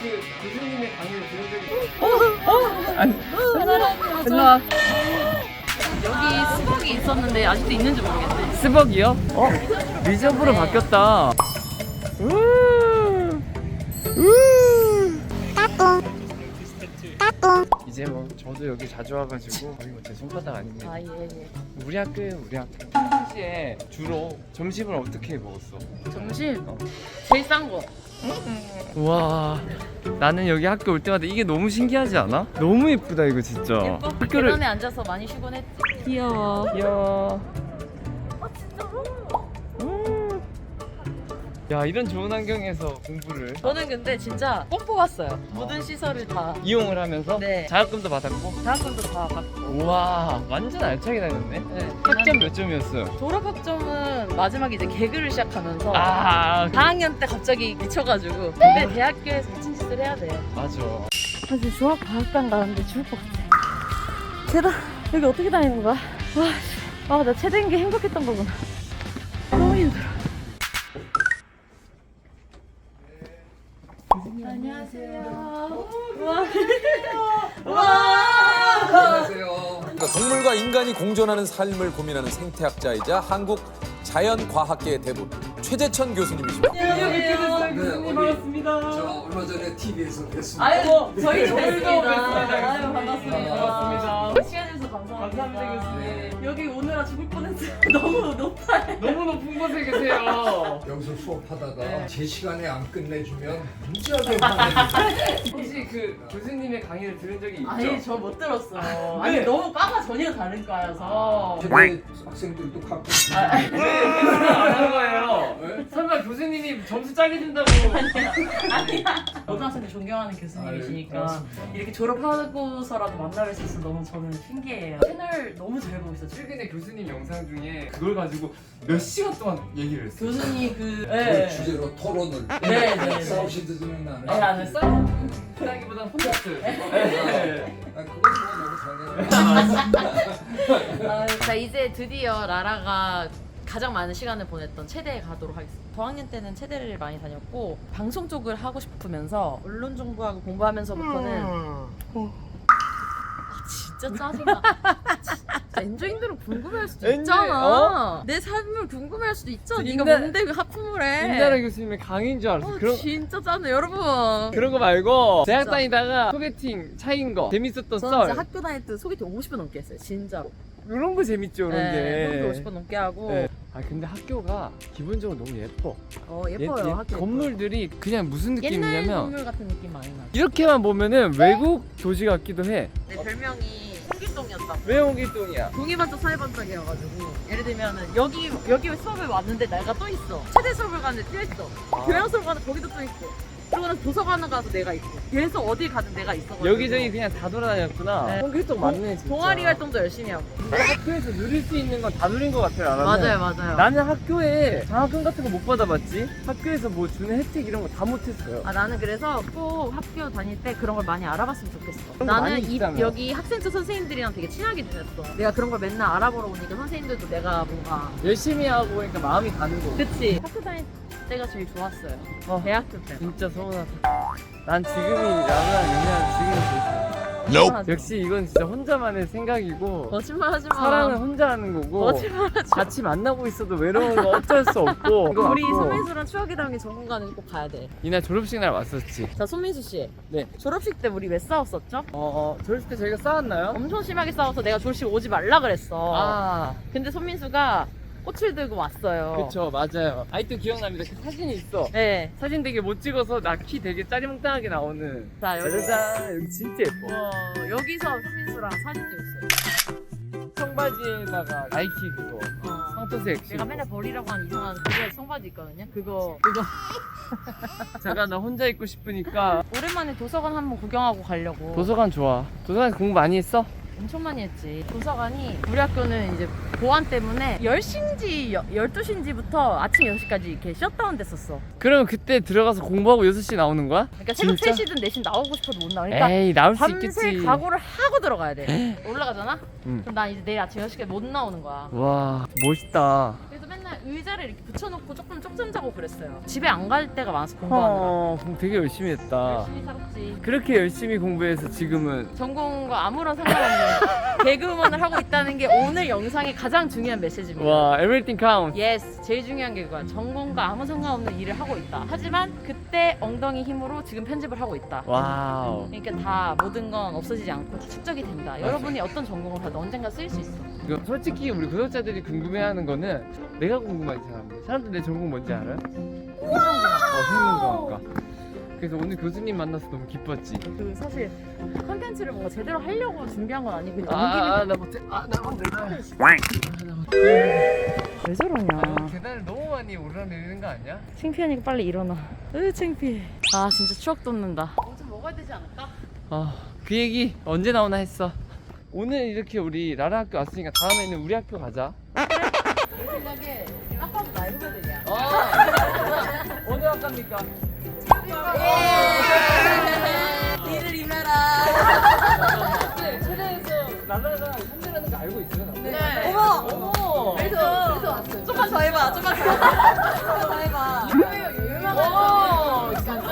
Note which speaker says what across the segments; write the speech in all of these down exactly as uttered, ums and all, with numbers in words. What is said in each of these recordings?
Speaker 1: 그 교수님의 강의를 들은 적이 어? 어? 아니
Speaker 2: 일로와. 여기 스벅이 있었는데 아직도 있는지 모르겠네.
Speaker 1: 스벅이요? 어? 리저브로 바뀌었다. 우. 우. 이제 뭐 저도 여기 자주 와가지고 거의 뭐 제 손바닥 아닙니다.
Speaker 2: 아, 예, 예.
Speaker 1: 우리 학교에 우리 학교. 평시에 주로 점심을 어떻게 먹었어?
Speaker 2: 점심
Speaker 1: 어.
Speaker 2: 제일 싼 거.
Speaker 1: 우와, 나는 여기 학교 올 때마다 이게 너무 신기하지 않아? 너무 예쁘다 이거 진짜.
Speaker 2: 예뻐?
Speaker 1: 학교를
Speaker 2: 계단에 앉아서 많이 쉬곤 했지. 귀여워.
Speaker 1: 이야.
Speaker 2: 아, 진짜로?
Speaker 1: 음. 야, 이런 좋은 환경에서 공부를
Speaker 2: 저는 근데 진짜 꼭 뽑았어요. 모든 시설을 다.
Speaker 1: 이용을 하면서
Speaker 2: 네.
Speaker 1: 자격금도 받았고.
Speaker 2: 대학원도 다 받고.
Speaker 1: 우와, 완전 알차게 다녔네.
Speaker 2: 네.
Speaker 1: 학점 몇 점이었어요?
Speaker 2: 졸업학점은 마지막에 이제 개그를 시작하면서
Speaker 1: 아,
Speaker 2: 사 학년 때 갑자기 미쳐가지고. 근데 대학교에서 미친 짓을 해야 돼.
Speaker 1: 맞아.
Speaker 2: 사실 종합과학관 가는데 죽을 것 같아. 계단 여기 어떻게 다니는 거야? 와, 아, 나 최대인 게 행복했던 거구나. 너무 힘들어. 안녕하세요. 와, 와.
Speaker 3: 안녕하세요. 그러니까 동물과 인간이 공존하는 삶을 고민하는 생태학자이자 한국 자연과학계의 대부 최재천 교수님이십니다.
Speaker 2: 안녕하세요.
Speaker 1: 교수님 반갑습니다.
Speaker 3: 저 얼마 전에 티비에서 뵀습니다.
Speaker 2: 아이고, 저희도
Speaker 1: 저희도
Speaker 2: 뵙습니다.
Speaker 1: 뵙습니다.
Speaker 2: 아유, 반갑습니다.
Speaker 1: 네, 반갑습니다.
Speaker 2: 시간 내주셔서 감사합니다.
Speaker 1: 감사합니다, 교수님.
Speaker 2: 여기 오느라 죽을 뻔했어요. 너무 높아요.
Speaker 1: 너무 높은 곳에 계세요.
Speaker 3: 여기서 수업하다가
Speaker 1: 네.
Speaker 3: 제 시간에 안 끝내주면 무지하게 화내요.
Speaker 1: 혹시 그 교수님의 강의를 들은 적이 있죠?
Speaker 2: 아니, 저 못 들었어요.
Speaker 1: 네.
Speaker 2: 아니, 너무 과가 전혀 다른 과여서.
Speaker 3: 최대 학생들도 갖고
Speaker 1: 안 하는 거예요.
Speaker 3: 네?
Speaker 1: 설마 교수님이 점수 짜게 준다고?
Speaker 2: 아니야. 고등학생들 존경하는
Speaker 3: 아유,
Speaker 2: 교수님이시니까
Speaker 3: 고맙습니다.
Speaker 2: 이렇게 졸업하고서라도 만나뵐 수 있어서 너무 저는 신기해요. 채널 너무 잘 보고 있어요.
Speaker 1: 최근에 교수님 영상 중에 그걸 가지고 몇 시간 동안 얘기를 했어요.
Speaker 2: 교수님 그,
Speaker 3: 그
Speaker 2: 네.
Speaker 3: 주제로 토론을
Speaker 2: 네, 네, 네.
Speaker 3: 싸우시지는 않아요.
Speaker 2: 네, 안 했어요?
Speaker 1: 그다기보단 콘서트. 네.
Speaker 3: 아, 그건 뭐 너무 잘해요.
Speaker 2: 자, 이제 드디어 라라가 가장 많은 시간을 보냈던 체대에 가도록 하겠습니다. 저학년 때는 체대를 많이 다녔고 방송 쪽을 하고 싶으면서 언론 정보하고 공부하면서부터는 아, 진짜 짜증나. 진짜 엔조인들은 궁금해할 수도
Speaker 1: 엔조이,
Speaker 2: 있잖아.
Speaker 1: 어?
Speaker 2: 내 삶을 궁금해할 수도 있잖아.
Speaker 1: 인간-
Speaker 2: 네가 뭔데 그 하품을 해.
Speaker 1: 김나라 교수님의 강의인 줄 알았어.
Speaker 2: 어,
Speaker 1: 그런
Speaker 2: 진짜 짜증나 여러분.
Speaker 1: 그런 거 말고 대학
Speaker 2: 진짜.
Speaker 1: 다니다가 소개팅 차인 거 재밌었던
Speaker 2: 저는
Speaker 1: 썰
Speaker 2: 진짜 학교 다닐 때 소개팅 오십 번 넘게 했어요. 진짜로.
Speaker 1: 이런 거 재밌죠, 이런
Speaker 2: 네,
Speaker 1: 게.
Speaker 2: 그렇게 오십 번 넘게 하고.
Speaker 1: 네. 아 근데 학교가 기본적으로 너무 예뻐.
Speaker 2: 어, 예뻐요.
Speaker 1: 예- 예-
Speaker 2: 학교
Speaker 1: 건물들이 그냥 무슨
Speaker 2: 옛날
Speaker 1: 느낌이냐면
Speaker 2: 건물 같은 느낌 많이 나.
Speaker 1: 이렇게만 보면은 외국 도시 같기도 해.
Speaker 2: 내 별명이 홍길동이었다.
Speaker 1: 왜 홍길동이야?
Speaker 2: 동이반짝 사이반짝이어가지고 예를 들면은 여기 여기 수업에 왔는데 내가 또 있어. 최대 수업을 가는데 또 있어.
Speaker 1: 아.
Speaker 2: 교양 수업 가는데 거기도 또 있고. 그러고는 도서관을 가서 내가 있고. 계속 어딜 가든 내가 있어가지고.
Speaker 1: 여기저기 그냥 다 돌아다녔구나.
Speaker 2: 네.
Speaker 1: 홍길동 맞네 진짜.
Speaker 2: 동아리 활동도 열심히 하고.
Speaker 1: 학교에서 누릴 수 있는 건 다 누린 것 같아요. 나는.
Speaker 2: 맞아요, 맞아요.
Speaker 1: 나는 학교에 장학금 같은 거 못 받아봤지. 학교에서 뭐 주는 혜택 이런 거 다 못했어요.
Speaker 2: 아, 나는 그래서 꼭 학교 다닐 때 그런 걸 많이 알아봤으면 좋겠어.
Speaker 1: 그런 거
Speaker 2: 나는
Speaker 1: 많이
Speaker 2: 이,
Speaker 1: 있다며.
Speaker 2: 여기 학생부 선생님들이랑 되게 친하게 지냈어. 내가 그런 걸 맨날 알아보러 오니까 선생님들도 내가 뭔가
Speaker 1: 열심히 하고 보니까 마음이 가는 거고.
Speaker 2: 그치. 학교 다닐 때가 제일 좋았어요.
Speaker 1: 어.
Speaker 2: 대학교 때.
Speaker 1: 진짜 서운하다. 난 지금이 나랑 윤희랑 지금이 제일 좋아. 역시 이건 진짜 혼자만의 생각이고
Speaker 2: 거짓말 하지 마.
Speaker 1: 사랑은 혼자 하는 거고
Speaker 2: 거짓말 하지 마.
Speaker 1: 같이 만나고 있어도 외로운 거 어쩔 수 없고 이거
Speaker 2: 우리
Speaker 1: 맞고.
Speaker 2: 손민수랑 추억의 담긴 전공관은 꼭 가야 돼.
Speaker 1: 이날 졸업식 날 왔었지.
Speaker 2: 자, 손민수 씨.
Speaker 1: 네.
Speaker 2: 졸업식 때 우리 왜 싸웠었죠?
Speaker 1: 어, 어 졸업식 때 저희가 싸웠나요?
Speaker 2: 엄청 심하게 싸워서 내가 졸업식 오지 말라 그랬어.
Speaker 1: 아
Speaker 2: 근데 손민수가 꽃을 들고 왔어요.
Speaker 1: 그쵸 맞아요. 아직도 기억납니다. 그 사진이 있어.
Speaker 2: 네.
Speaker 1: 사진 되게 못 찍어서 나 키 되게 짜리몽땅하게 나오는.
Speaker 2: 자, 여기.
Speaker 1: 짜자잔 여기 진짜 예뻐.
Speaker 2: 와, 여기서 손민수랑 사진 찍었어요.
Speaker 1: 청바지에다가 나이키 그거
Speaker 2: 어.
Speaker 1: 황토색.
Speaker 2: 내가 맨날 버리라고 한 이상한 그거 청바지 있거든요. 그거 그거
Speaker 1: 제가 나 혼자 있고 싶으니까.
Speaker 2: 오랜만에 도서관 한번 구경하고 가려고.
Speaker 1: 도서관 좋아. 도서관 공부 많이 했어?
Speaker 2: 엄청 많이 했지. 도서관이 우리 학교는 이제 보안 때문에 열 시인지 열두 시인지부터 아침 여섯 시까지 이렇게 셧다운 됐었어.
Speaker 1: 그러면 그때 들어가서 공부하고 여섯 시 나오는 거야?
Speaker 2: 그러니까 새벽
Speaker 1: 진짜?
Speaker 2: 세 시든 네 시 나오고 싶어도 못 나와. 그러니까
Speaker 1: 에이 나올 수
Speaker 2: 밤새
Speaker 1: 있겠지.
Speaker 2: 각오를 하고 들어가야 돼. 올라가잖아?
Speaker 1: 응.
Speaker 2: 그럼 난 이제 내일 아침 여섯 시까지 못 나오는 거야.
Speaker 1: 와 멋있다.
Speaker 2: 그래서 맨날 그냥 의자를 이렇게 붙여놓고 조금 쪽잠 자고 그랬어요. 집에 안 갈 때가 많아서 공부하느라.
Speaker 1: 어, 그럼 되게 열심히 했다.
Speaker 2: 열심히 살았지.
Speaker 1: 그렇게 열심히 공부해서 지금은
Speaker 2: 전공과 아무런 상관없는 개그우먼을 하고 있다는 게 오늘 영상의 가장 중요한 메시지입니다.
Speaker 1: 와, everything counts.
Speaker 2: 예스, 제일 중요한 게 그거야. 전공과 아무 상관없는 일을 하고 있다. 하지만 그때 엉덩이 힘으로 지금 편집을 하고 있다.
Speaker 1: 와우.
Speaker 2: 그러니까 다 모든 건 없어지지 않고 다 축적이 된다. 여러분이 어떤 전공을 봐도 언젠가 쓰일 수 있어.
Speaker 1: 이거 솔직히 우리 구독자들이 궁금해하는 거는 내가 궁금하지 사람들. 사람들 내 전공 뭔지 알아? 어, 생명과학과. 그래서 오늘 교수님 만나서 너무 기뻤지.
Speaker 2: 그 사실 컨텐츠를 뭔가 제대로 하려고 준비한 건 아니고 그냥
Speaker 1: 아,
Speaker 2: 온
Speaker 1: 나 못해. 아, 나 못해.
Speaker 2: 김에 왜 저러냐.
Speaker 1: 아, 계단을 너무 많이 오르내리는 거 아니야?
Speaker 2: 창피하니까 빨리 일어나. 으 창피해. 아 진짜 추억 돋는다. 뭐 좀 먹어야 되지 않을까?
Speaker 1: 아, 그 얘기 언제 나오나 했어. 오늘 이렇게 우리 라라 학교 왔으니까 다음에는 우리 학교 가자.
Speaker 2: 내 생각에 딱 봐도 나이 후배들이야.
Speaker 1: 아, 어느 학과입니까?
Speaker 2: 니를 임해라.
Speaker 1: 네, 최대에서 라라가 현재라는 거 알고 있어요? 나?
Speaker 2: 네.
Speaker 1: 어머, 어머.
Speaker 2: 그래서 그래서 왔어요. 좀만 더 해봐. 좀만 더. 더 해봐. 유명해요. 유명한
Speaker 1: 오, 진짜.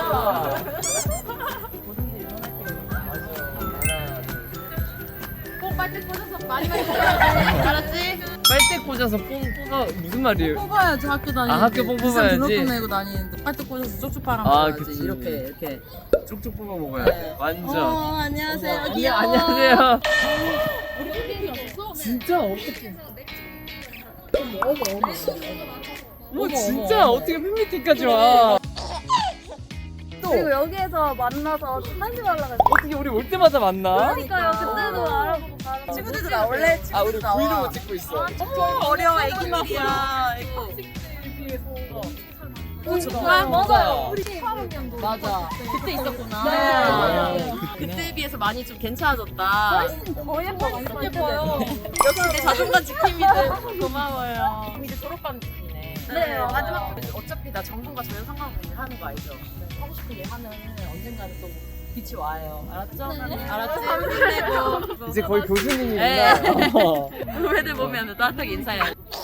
Speaker 2: 뭐든지 일어날 때.
Speaker 1: 맞아. 하나, 둘.
Speaker 2: 꼭 빨대 꽂아서 많이 많이 뽑아야지. 알았지?
Speaker 1: 빨대 꽂아서 뽕 뽑아 무슨 말이에요?
Speaker 4: 뽑아야지 학교 다니는데.
Speaker 1: 아, 학교 뽕
Speaker 4: 비싼
Speaker 1: 뽑아야지?
Speaker 4: 등록금 내고 다니는데 빨대 꽂아서 쪽쪽 빨아
Speaker 1: 아,
Speaker 4: 먹어야지.
Speaker 1: 그치.
Speaker 4: 이렇게 이렇게.
Speaker 1: 쪽쪽 뽑아 먹어야
Speaker 4: 네.
Speaker 1: 돼. 완전.
Speaker 4: 어 안녕하세요.
Speaker 1: 안녕,
Speaker 4: 귀여워.
Speaker 1: 안녕하세요.
Speaker 2: 우리 팬이 없었어?
Speaker 1: 진짜 어떻게?
Speaker 4: 어머 어머 어머.
Speaker 1: 뭐 진짜 어떻게 팬미팅까지 와?
Speaker 5: 그리고 여기에서 만나서 사진 올라갔어.
Speaker 1: 어떻게 우리 올 때마다 만나?
Speaker 5: 그러니까요. 그때도 알아보고 가는
Speaker 4: 친구들도 나올래?
Speaker 1: 아 우리
Speaker 4: 친구들도 나와.
Speaker 1: 브이로그 찍고 있어.
Speaker 4: 어려워 애기 말이야.
Speaker 2: 어 정말?
Speaker 5: 맞아요. 우리 이천 년도.
Speaker 2: 맞아. 그때 있었구나.
Speaker 5: 네.
Speaker 2: 그때에 비해서 많이 좀 괜찮아졌다.
Speaker 5: 훨씬 더 예뻐. 엄청 예뻐요.
Speaker 2: 역시 내 자존감 지킴이들 고마워요. 이제 졸업반이네.
Speaker 5: 네, 마지막.
Speaker 2: 어차피 나 전공과 전혀 상관없이 하는 거 알죠? 하고 싶은 일 하면 언젠가는 또 빛이 와요. 알았죠? 알았지? 힘내고.
Speaker 1: 이제 거의 교수님이구나.
Speaker 2: 네.
Speaker 1: 어.
Speaker 2: 후배들 보면 따뜻하게 인사해요.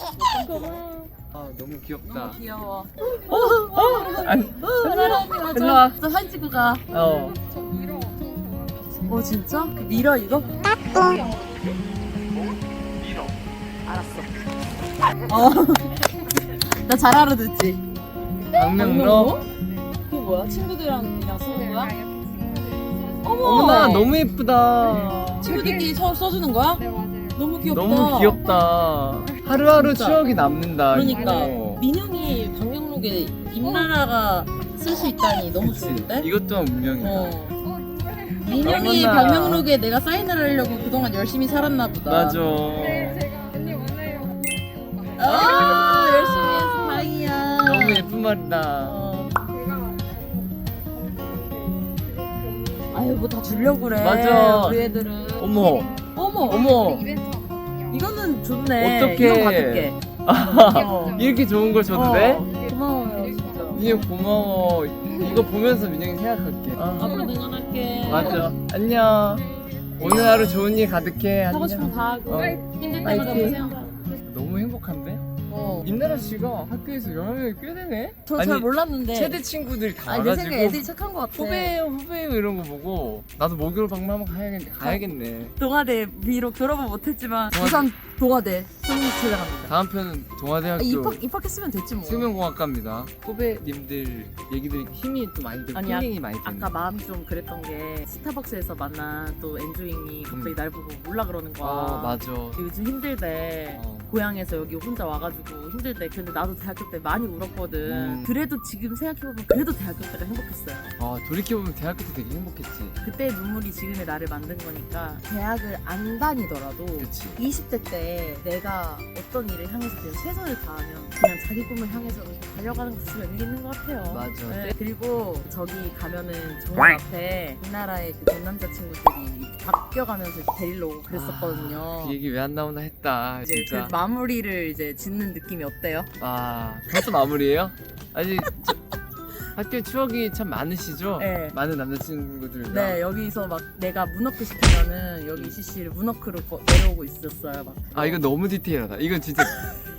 Speaker 1: 아 너무 귀엽다.
Speaker 2: 귀여워.
Speaker 1: 아니,
Speaker 2: 일로
Speaker 1: 일로 와.
Speaker 2: 저 사진 찍고 가.
Speaker 1: 어.
Speaker 2: 어 진짜? 그 미러 이거? 알았어. 어. 나 잘 알아듣지.
Speaker 1: 박명로.
Speaker 2: 그게 뭐야? 친구들이랑 쓰는 거야?
Speaker 1: 어머나 너무 예쁘다.
Speaker 4: 친구들끼리 서 써주는 거야?
Speaker 5: 네, 맞아요.
Speaker 4: 너무 귀엽다.
Speaker 1: 너무 귀엽다. 하루하루
Speaker 4: 진짜.
Speaker 1: 추억이 남는다.
Speaker 4: 그러니까
Speaker 1: 어.
Speaker 4: 민영이 방명록에 임나라가 쓸 수 있다니 너무
Speaker 1: 그치.
Speaker 4: 좋은데?
Speaker 1: 이것 또한 운명이다.
Speaker 4: 어. 민영이
Speaker 1: 어머나.
Speaker 4: 방명록에 내가 사인을 하려고 그동안 열심히 살았나 보다.
Speaker 1: 맞아.
Speaker 5: 네, 제가 언니 오늘
Speaker 4: 아 열심히 해서 다행이야.
Speaker 1: 너무 예쁜 말이다.
Speaker 4: 어.
Speaker 5: 제가
Speaker 4: 아유 뭐 다 주려고 그래.
Speaker 1: 맞아.
Speaker 4: 우리 애들은.
Speaker 1: 어머,
Speaker 4: 어머.
Speaker 1: 어머.
Speaker 5: 이벤트 하거든요.
Speaker 4: 이거는 좋네.
Speaker 1: 어떡해.
Speaker 4: 이거 받을게.
Speaker 1: 아, 이렇게 좋은 걸 줘도 돼?
Speaker 4: 어, 고마워요 진짜.
Speaker 1: 민영 고마워. 이거 보면서 민영이 생각할게. 아,
Speaker 4: 앞으로 응원할게.
Speaker 1: 맞아. 안녕. 오늘 하루 좋은 일 가득해.
Speaker 4: 하고
Speaker 1: 안녕.
Speaker 4: 싶은 거 다 하고.
Speaker 1: 어.
Speaker 4: 힘들 때마다
Speaker 1: 파이팅.
Speaker 4: 고생한다.
Speaker 1: 너무 행복한데?
Speaker 4: 어.
Speaker 1: 임나라 씨가 학교에서 영향력이 꽤 되네?
Speaker 4: 저 잘 몰랐는데.
Speaker 1: 최대 친구들 다
Speaker 4: 아니 내
Speaker 1: 알아주고
Speaker 4: 생각에 애들이 착한 거 같아.
Speaker 1: 후배예요 후배예요 이런 거 보고 나도 목요일 방문 한번 가야겠, 가야겠네.
Speaker 4: 동아대 비록 졸업은 못했지만
Speaker 1: 동아대.
Speaker 4: 부산 동아대 성공 찾아갑니다.
Speaker 1: 다음 편은 동아대학교
Speaker 4: 아, 입학 입학했으면 됐지 뭐.
Speaker 1: 생명공학과입니다. 후배님들 얘기들이 힘이 또 많이 되고
Speaker 4: 아니, 아-
Speaker 1: 힐링이 많이 되는
Speaker 4: 아까 마음이 좀 그랬던 게 스타벅스에서 만난 또 엔조잉이 갑자기
Speaker 1: 음.
Speaker 4: 날 보고 몰라 그러는 거야.
Speaker 1: 아 맞아.
Speaker 4: 요즘 힘들대.
Speaker 1: 어.
Speaker 4: 고향에서 여기 혼자 와가지고 힘들대. 근데 나도 대학교 때 많이 울었거든.
Speaker 1: 음.
Speaker 4: 그래도 지금 생각해보면 그래도 대학교 때가 행복했어요.
Speaker 1: 아 돌이켜보면 대학교 때 되게 행복했지.
Speaker 4: 그때의 눈물이 지금의 나를 만든 거니까 대학을 안 다니더라도
Speaker 1: 그치.
Speaker 4: 이십 대 때 내가 어떤 일을 향해서 그냥 최선을 다하면 그냥 자기 꿈을 향해서 달려가는 것이 의미 있는 것 같아요.
Speaker 1: 맞아.
Speaker 4: 네, 그리고 저기 가면은 정원 앞에 우리나라의 그 전 남자친구들이 바뀌어가면서 데리러 오고 그랬었거든요.
Speaker 1: 그 얘기 왜 안 나오나 했다
Speaker 4: 이제
Speaker 1: 진짜.
Speaker 4: 그 마무리를 이제 짓는 느낌이 어때요?
Speaker 1: 아 벌써 마무리예요? 아직 저- 학교 추억이 참 많으시죠?
Speaker 4: 네.
Speaker 1: 많은 남자친구들과.
Speaker 4: 네, 여기서 막 내가 문워크 시키면은 여기 씨씨를 문워크로 거- 내려오고 있었어요. 막.
Speaker 1: 아 이거 너무 디테일하다. 이건 진짜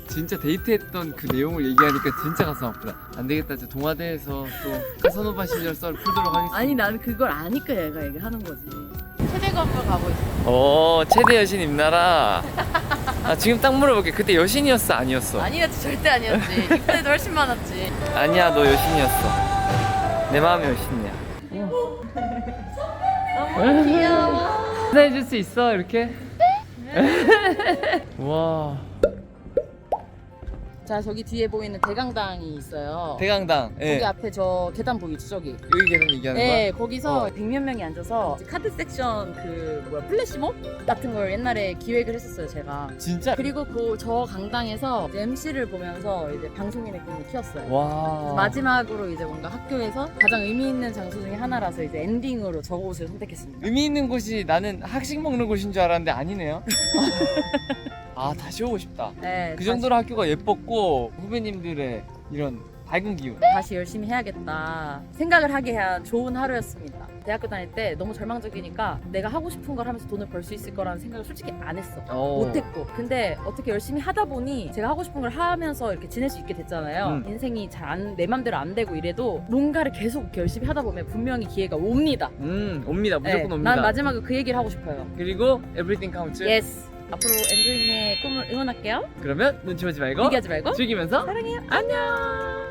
Speaker 1: 진짜 데이트했던 그 내용을 얘기하니까 진짜 가슴 아프다. 안 되겠다. 이제 동아대에서 또 카사노바 시절 썰 풀도록 하겠습니다.
Speaker 4: 아니 나는 그걸 아니까 얘가 얘기하는 거지.
Speaker 2: 최대검을 가고 있어.
Speaker 1: 어, 최대 여신 임나라. 아, 지금 딱 물어볼게. 그때 여신이었어, 아니었어?
Speaker 2: 아니었지, 절대 아니었지. 이때도 훨씬 많았지.
Speaker 1: 아니야, 너 여신이었어. 내 마음의 여신이야.
Speaker 2: 너무 귀여워.
Speaker 1: 해줄 수 있어, 이렇게? 와.
Speaker 2: 자, 저기 뒤에 보이는 대강당이 있어요.
Speaker 1: 대강당. 예.
Speaker 2: 거기 앞에 저 계단 보이죠, 저기.
Speaker 1: 여기 계단 얘기하는
Speaker 2: 네,
Speaker 1: 거야?
Speaker 2: 거기서
Speaker 1: 어.
Speaker 2: 백몇 명이 앉아서 카드 섹션 그 뭐야 플래시몹 같은 걸 옛날에 기획을 했었어요, 제가.
Speaker 1: 진짜?
Speaker 2: 그리고 그 저 강당에서 엠씨를 보면서 이제 방송인의 꿈을 키웠어요.
Speaker 1: 와.
Speaker 2: 마지막으로 이제 뭔가 학교에서 가장 의미 있는 장소 중에 하나라서 이제 엔딩으로 저곳을 선택했습니다.
Speaker 1: 의미 있는 곳이 나는 학식 먹는 곳인 줄 알았는데 아니네요. 아, 다시 오고 싶다.
Speaker 2: 네,
Speaker 1: 그 정도로 학교가 예뻤고 후배님들의 이런 밝은 기운.
Speaker 2: 다시, 다시 열심히 해야겠다 생각을 하게 한 좋은 하루였습니다. 대학교 다닐 때 너무 절망적이니까 내가 하고 싶은 걸 하면서 돈을 벌 수 있을 거라는 생각을 솔직히 안 했어.
Speaker 1: 어.
Speaker 2: 못했고 근데 어떻게 열심히 하다 보니 제가 하고 싶은 걸 하면서 이렇게 지낼 수 있게 됐잖아요.
Speaker 1: 음.
Speaker 2: 인생이 잘 내 맘대로 안 되고 이래도 뭔가를 계속 이렇게 열심히 하다 보면 분명히 기회가 옵니다.
Speaker 1: 음, 옵니다. 무조건
Speaker 2: 네,
Speaker 1: 옵니다.
Speaker 2: 난 마지막에 그 얘기를 하고 싶어요.
Speaker 1: 그리고 everything counts.
Speaker 2: 예스. 앞으로 엔조잉의 꿈을 응원할게요.
Speaker 1: 그러면 눈치 보지 말고
Speaker 2: 포기하지 말고
Speaker 1: 즐기면서
Speaker 2: 사랑해요.
Speaker 1: 안녕.